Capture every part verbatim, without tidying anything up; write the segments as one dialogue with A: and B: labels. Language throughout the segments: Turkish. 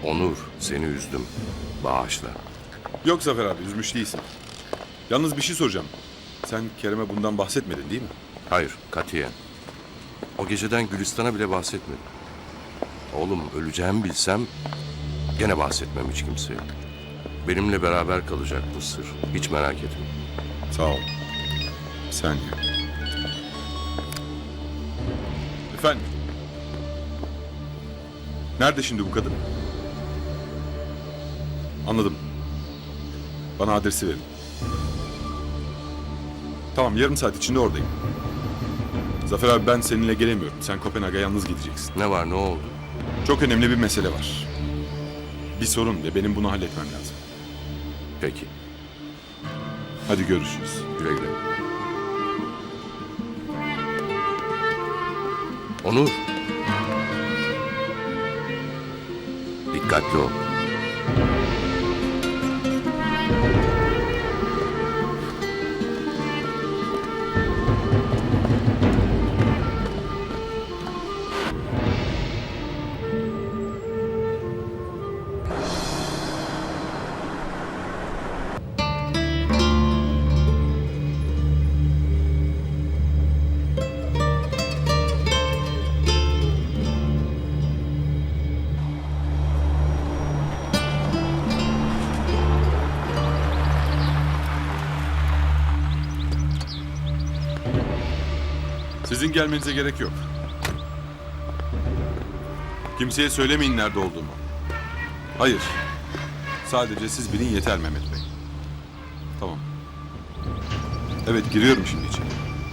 A: Onur, seni üzdüm. Bağışla.
B: Yok Zafer abi, üzmüş değilsin. Yalnız bir şey soracağım. Sen Kerem'e bundan bahsetmedin değil mi?
A: Hayır, katiyen. O geceden Gülistan'a bile bahsetmedim. Oğlum, öleceğimi bilsem gene bahsetmem hiç kimseye. Benimle beraber kalacak bu sır. Hiç merak etme.
B: Sağ ol. Bir saniye. Efendim? Nerede şimdi bu kadın? Anladım. Bana adresi verin. Tamam, yarım saat içinde oradayım. Zafer abi, ben seninle gelemiyorum. Sen Kopenhag'a yalnız gideceksin.
A: Ne var, ne oldu?
B: Çok önemli bir mesele var. Bir sorun ve benim bunu halletmem lazım.
A: Peki,
B: Hadi görüşürüz.
A: güle güle. Onur. Dikkatli ol.
B: Sizin gelmenize gerek yok. Kimseye söylemeyin nerede olduğumu. Hayır. Sadece siz bilin yeter Mehmet Bey. Tamam. Evet, giriyorum şimdi içeri.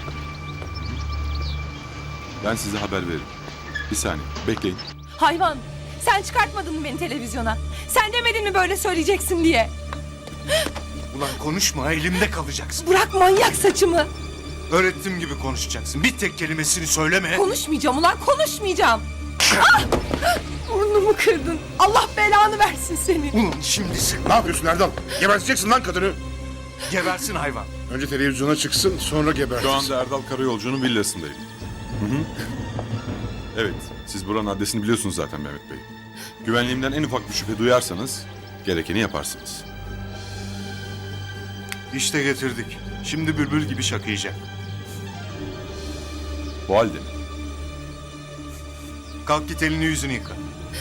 B: Ben size haber veririm. Bir saniye, bekleyin.
C: Hayvan! Sen çıkartmadın mı beni televizyona? Sen demedin mi böyle söyleyeceksin diye?
D: Ulan konuşma, elimde kalacaksın.
C: Bırak manyak saçımı!
D: Öğrettiğim gibi konuşacaksın. Bir tek kelimesini söyleme.
C: Konuşmayacağım ulan, konuşmayacağım! Ah! Burnumu kırdın. Allah belanı versin seni.
D: Ulan şimdi sen
E: Ne yapıyorsun Erdal? Geberteceksin lan kadını.
D: gebersin hayvan.
E: Önce televizyona çıksın, sonra gebertirsin.
B: Şu anda Erdal Karayolcu'nun villasındayım. Hı hı. Evet, siz buranın adresini biliyorsunuz zaten Mehmet Bey. Güvenliğimden en ufak bir şüphe duyarsanız gerekeni yaparsınız.
D: İşte getirdik. Şimdi bülbül gibi şakıyacak.
B: Bu halde mi?
D: Kalk git elini yüzünü yıka.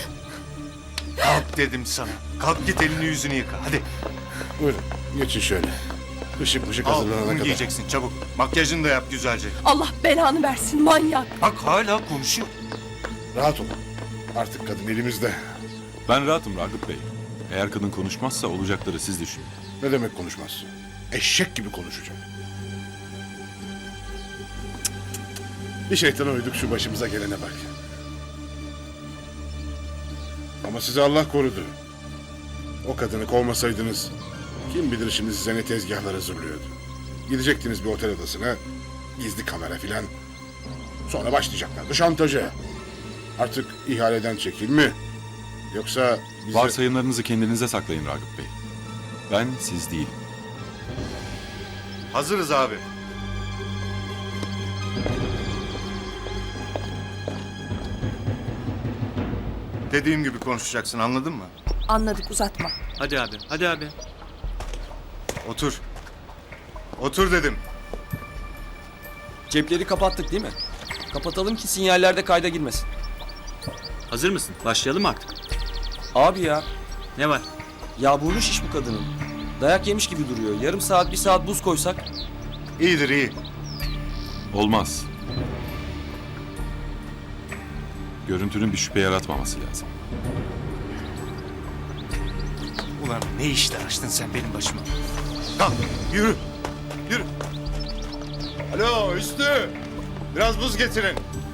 D: Kalk dedim sana. Kalk git elini yüzünü yıka. Hadi.
E: Buyurun, geçin şöyle. Işık mışık
D: Al
E: hazırlanana
D: bunu
E: kadar.
D: giyeceksin çabuk. Makyajını da yap güzelce.
C: Allah belanı versin manyak.
D: Bak hala konuşuyor.
E: Rahat olun. Artık kadın elimizde.
B: Ben rahatım Ragıp Bey. Eğer kadın konuşmazsa olacakları siz düşünün.
E: Ne demek konuşmaz? Eşek gibi konuşacak. Bir şeytana uyduk, şu başımıza gelene bak. Ama sizi Allah korudu. O kadını kovmasaydınız kim bilir şimdi size ne tezgahlar hazırlıyordu. Gidecektiniz bir otel odasına, gizli kamera filan. Sonra başlayacaklardı şantaja. Artık ihaleden çekil mi? Yoksa bize...
B: Varsayımlarınızı kendinize saklayın Ragıp Bey. Ben siz değilim.
D: Hazırız abi. Dediğim gibi konuşacaksın, anladın mı?
C: Anladık, uzatma.
F: Hadi abi, hadi abi.
D: Otur. Otur dedim.
G: Cepleri kapattık değil mi? Kapatalım ki sinyallerde kayda girmesin.
F: Hazır mısın? Başlayalım mı artık?
G: Abi ya,
F: Ne var?
G: ya burnu şiş bu kadının. Dayak yemiş gibi duruyor. Yarım saat, bir saat buz koysak.
D: İyidir iyi.
B: Olmaz. Görüntünün bir şüphe yaratmaması lazım.
D: Ulan ne işler açtın sen benim başıma? Kalk yürü. Yürü. Alo Üstü. Biraz buz getirin.